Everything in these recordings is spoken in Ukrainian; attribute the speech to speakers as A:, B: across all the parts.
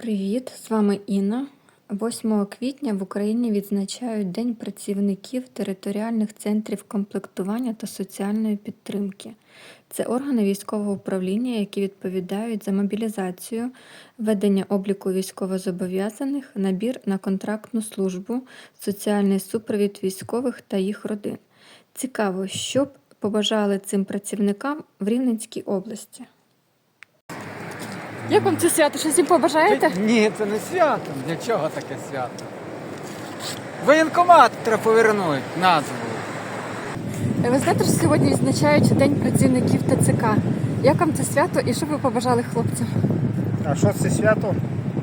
A: Привіт, з вами Інна. 8 квітня в Україні відзначають День працівників територіальних центрів комплектування та соціальної підтримки. Це органи військового управління, які відповідають за мобілізацію, ведення обліку військовозобов'язаних, набір на контрактну службу, соціальний супровід військових та їх родин. Цікаво, що б побажали цим працівникам в Рівненській області. Як вам це свято? Щось їм побажаєте?
B: Ні, це не свято. Для чого таке свято? Воєнкомат треба повернути назву.
A: Ви знаєте, що сьогодні відзначають День працівників ТЦК. Як вам це свято і що б ви побажали хлопцям?
C: А що це свято?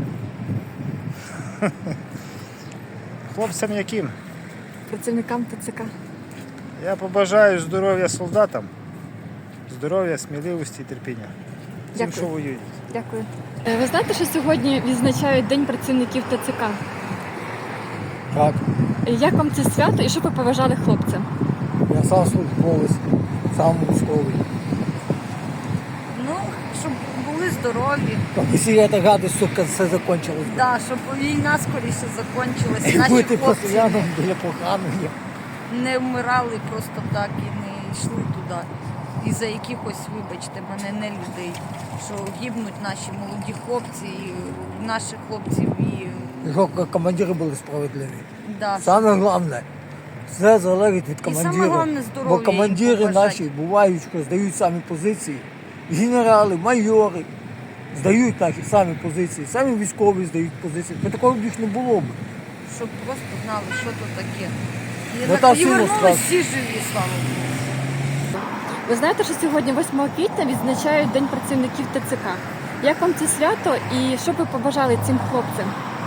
C: Хлопцям яким?
A: Працівникам ТЦК.
C: Я побажаю здоров'я солдатам, здоров'я, сміливості і терпіння. Тим,
A: Дякую.
C: що воюють.
A: Дякую. Ви знаєте, що сьогодні відзначають День працівників ТЦК?
D: Так,
A: Як вам це свято і що б ви побажали хлопцям?
D: я сам службовець, сам військовий.
E: Ну, щоб були здорові,
D: Якщо я так гадаю, сука, все закінчилось.
E: да, щоб війна скоріше закінчилася.
D: І
E: Наші
D: бути
E: хлопці
D: постійно біля поганих.
E: не вмирали просто так і не йшли туди. І за якихось, вибачте мене, не людей, що гибнуть наші молоді хлопці, і наших хлопців і
D: Щоб командири були справедливі.
E: да.
D: Саме головне, все залежить від
E: саме
D: командира.
E: головне здоров'я
D: Бо командири
E: їм побажати.
D: наші бувають, що здають самі позиції. Генерали, майори здають наші самі позиції, самі військові здають позиції. Бо такого б їх не було б.
E: щоб просто знали, що то таке.
D: Ну, та
E: І
D: сильно
E: вернулись
D: страшно.
E: всі живі, слава Богу.
A: Ви знаєте, що сьогодні 8 квітня відзначають День працівників ТЦК. Як вам це свято і що б ви побажали цим хлопцям?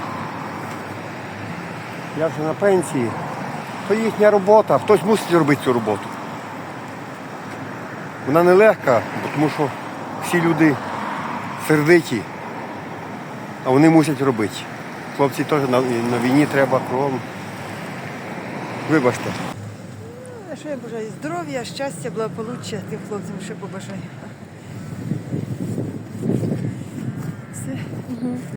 F: Я вже на пенсії. То їхня робота, хтось мусить робити цю роботу. Вона нелегка, тому що всі люди сердиті, а вони мусять робити. Хлопці теж на війні треба кругом. Вибачте.
G: А що я бажаю? Здоров'я, щастя, благополуччя тим хлопцям, що побажаю. Все.